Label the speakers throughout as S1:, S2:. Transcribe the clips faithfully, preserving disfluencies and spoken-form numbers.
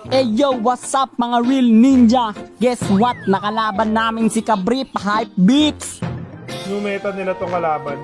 S1: Hey yo, what's up mga real ninja? Guess what? Nakalaban namin si Kabrip Hype Beats.
S2: New meta nila tong kalaban.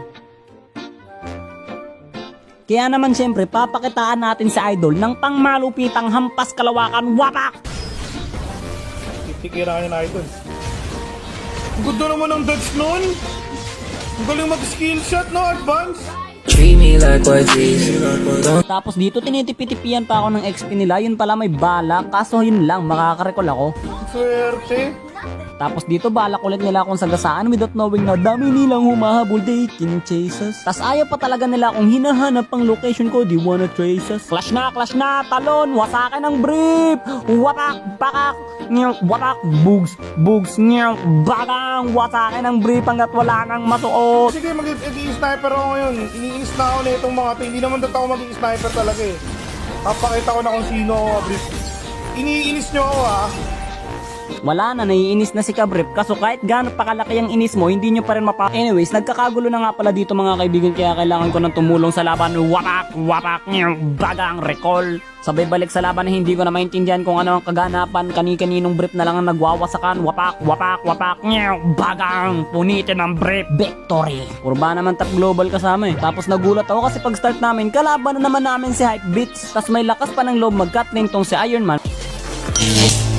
S1: Kaya naman syempre, papakitaan natin si Idol ng pangmalupitang hampas kalawakan wapak!
S2: Titikira ka niya na idol. Ang ganda naman ang dodge nun. Ang galing mag-skill shot, no? Advance.
S3: Treat me like what these don't
S1: Tapos dito tinitipitipian pa ako ng X P nila, yun pala may bala, kaso yun lang, makakarecall ako.
S2: Swerte.
S1: Tapos dito balak ulit nila akong sagasaan without knowing na dami nilang humahabol, they can chase us. Tas ayaw pa talaga nila akong hinahanap ang location ko, di wanna trace us. Clash na, clash na, talon, wasakin ng brief, wapak, bakak, niyong, wapak, bugs, bugs, niyong, bakang, wasakin ng brief hanggat wala nang masuot.
S2: Sige, mag-i-sniper ako ngayon. Iniinis na ako na itong mga to. Hindi naman dito ako mag-i-sniper talaga eh. Papakita ko na kung sino ako, brief. Iniinis nyo ako ah.
S1: Wala na, naiinis na si Kabrip. Kaso kahit gaano pa kalaki ang inis mo, hindi nyo pa rin mapa... Anyways, nagkakagulo na nga pala dito mga kaibigan, kaya kailangan ko ng tumulong sa laban. Wapak, wapak, niyong, bagang, recall. Sabay balik sa laban na hindi ko na maintindihan kung ano ang kaganapan. Kani-kaninong brief na lang ang nagwawasakan. Wapak, wapak, wapak, niyong, bagang, punitin ang brief. Victory! Purba naman top global kasama eh. Tapos nagulat ako kasi pag start namin, kalaban na naman namin si Hype Beats. Tas may lakas pa ng loob mag-cut tong si Iron Man.